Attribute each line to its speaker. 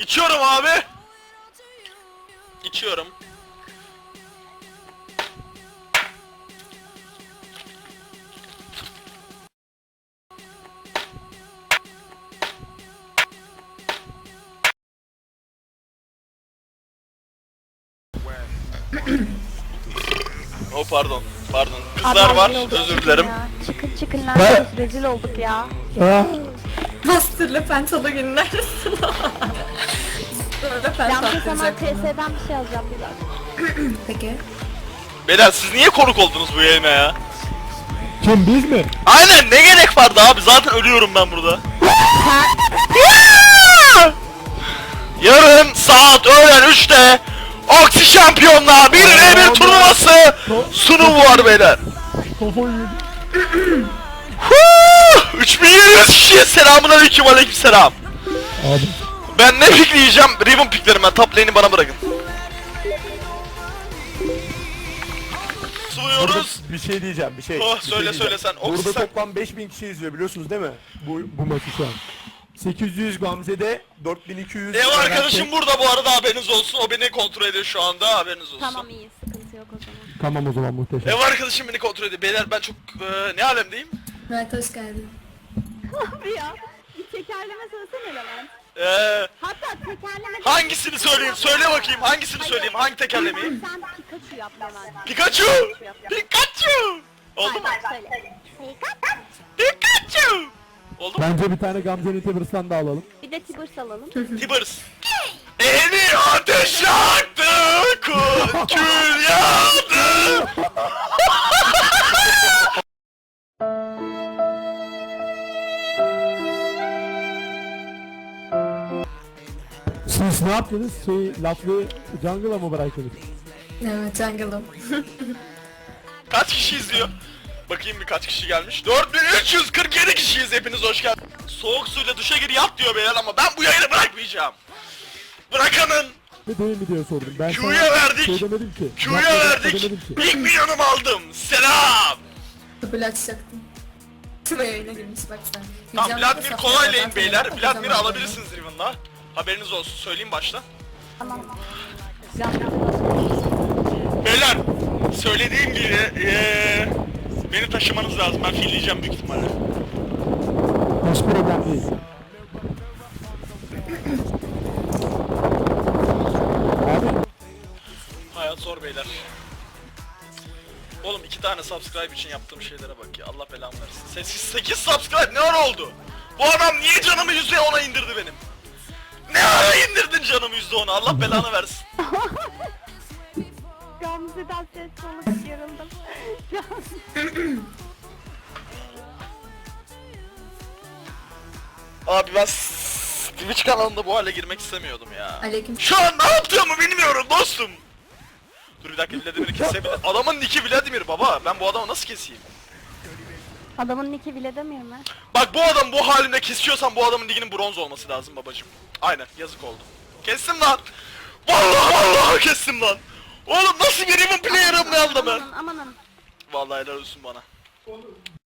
Speaker 1: İçiyorum abi. İçiyorum. Oh pardon. Pardon. Kızlar
Speaker 2: Abi,
Speaker 1: var.
Speaker 2: rezil olduk
Speaker 1: Özür dilerim.
Speaker 2: ya. Çıkın lan. Rezil olduk ya.
Speaker 3: Master'la Pentalogin'in neredesin? Böyle
Speaker 2: Ben bu zaman
Speaker 3: Pentalogin'e
Speaker 2: TS'den bir şey alacağım biraz.
Speaker 3: Peki.
Speaker 1: Beyler siz niye konuk oldunuz bu yayına ya?
Speaker 4: Kim, biz mi?
Speaker 1: Aynen, ne gerek vardı abi, zaten ölüyorum ben burada. Yarın saat öğlen 3'te Oksi Şampiyonlar 1v1 turnuvası sunumu var beyler.
Speaker 4: Kafayı yedim.
Speaker 1: 3700 kişiye selamünaleyküm, aleykümselam.
Speaker 4: Abi.
Speaker 1: Ben ne pikleyeceğim? Ribbon piklerim ben. Top lane'i bana bırakın. Sunuyoruz.
Speaker 4: Bir şey diyeceğim, bir şey.
Speaker 1: Oh,
Speaker 4: Bir şey
Speaker 1: söyle,
Speaker 4: diyeceğim.
Speaker 1: söyle sen.
Speaker 4: Burada
Speaker 1: Oksi sen-
Speaker 4: toplam 5000 kişi izliyor, biliyorsunuz değil mi? Bu maçı şu an. 800 Gamze'de, 4200...
Speaker 1: Ev arkadaşım
Speaker 4: Levent'te.
Speaker 1: burada bu arada, haberiniz olsun. O beni kontrol ediyor şu anda, haberiniz olsun.
Speaker 2: Tamam iyi, sıkıntı yok o zaman.
Speaker 4: Tamam o zaman, muhteşem.
Speaker 1: Ev arkadaşım beni kontrol ediyor. Beyler ben çok ne alemdeyim?
Speaker 3: Evet, hoş geldin.
Speaker 2: Abi ya, bir tekerleme söylesene Levent.
Speaker 1: Hatta
Speaker 2: tekerleme...
Speaker 1: hangisini söyleyeyim? Söyle bakayım, hangisini söyleyeyim? Hangi tekerlemeyi?
Speaker 2: Sen Pikachu yap Levent.
Speaker 1: Pikachu! Pikachu! Oldu mu?
Speaker 2: Söyle.
Speaker 1: Pikachu! Oldu mu?
Speaker 4: Bence bir tane Gamze'nin Tibers'tan da alalım.
Speaker 2: Bir de Tibers alalım.
Speaker 1: Tibbers. Eli ateş yaktı, kül yağdı.
Speaker 4: Siz ne yaptınız? Laflı jungle'a mı bıraktınız?
Speaker 3: Evet, jungle'ım.
Speaker 1: Kaç kişi izliyor? Bakayım bir kaç kişi gelmiş. 4347 kişiyiz, hepiniz hoş geldiniz. Soğuk suyla duşa gir yat diyor beyler ama ben bu yayını bırakmayacağım. Bırakanın
Speaker 4: Ne değil mi diye sordum. Ben
Speaker 1: Q'ya
Speaker 4: sana
Speaker 1: verdik.
Speaker 4: Şey demedim ki.
Speaker 1: Q'ya
Speaker 4: Yapmadım,
Speaker 1: verdik.
Speaker 4: demedim ki.
Speaker 1: İlk milyonumu aldım. Selam.
Speaker 3: Double açacaktım. Tüme yayına girmiş bak sen.
Speaker 1: Tamam,
Speaker 3: Canlı
Speaker 1: Vladimir
Speaker 3: da
Speaker 1: kolay
Speaker 3: saflara
Speaker 1: lane
Speaker 3: ben
Speaker 1: beyler.
Speaker 3: sana
Speaker 1: Vladimir'i
Speaker 3: bakacağım
Speaker 1: alabilirsiniz Riven'la. Haberiniz olsun, söyleyeyim başta.
Speaker 2: Tamam.
Speaker 1: Beyler, söylediğim gibi beni taşımanız lazım. Ben filleyeceğim büyük ihtimalle.
Speaker 4: Hiç problem değil. Abi
Speaker 1: Hayat zor beyler. Oğlum 2 tane subscribe için yaptığım şeylere bak ya. Allah belamı versin. 8 subscribe ne ara oldu? Bu adam niye canımı %10'a indirdi benim? Ne ara indirdin canımı %10'a? Allah belanı versin.
Speaker 2: Gamze'den ses soluk yarıldım.
Speaker 1: Abi ben Twitch kanalında bu hale girmek istemiyordum ya.
Speaker 3: Aleyküm.
Speaker 1: Şu an ne yaptığımı bilmiyorum dostum. Dur bir dakika, Vladimir'i kesebilir. Adamın nicki Vladimir baba. Ben bu adamı nasıl keseyim?
Speaker 2: Adamın nicki bile demiyor mu?
Speaker 1: Bak bu adam bu halinde kesiyorsan bu adamın liginin bronz olması lazım babacım. Aynen, yazık oldu. Kestim lan. Vallahi kestim lan. Oğlum nasıl bir Riven player'ım ne anda ben?
Speaker 2: Amanın.
Speaker 1: Vallahi helal olsun bana.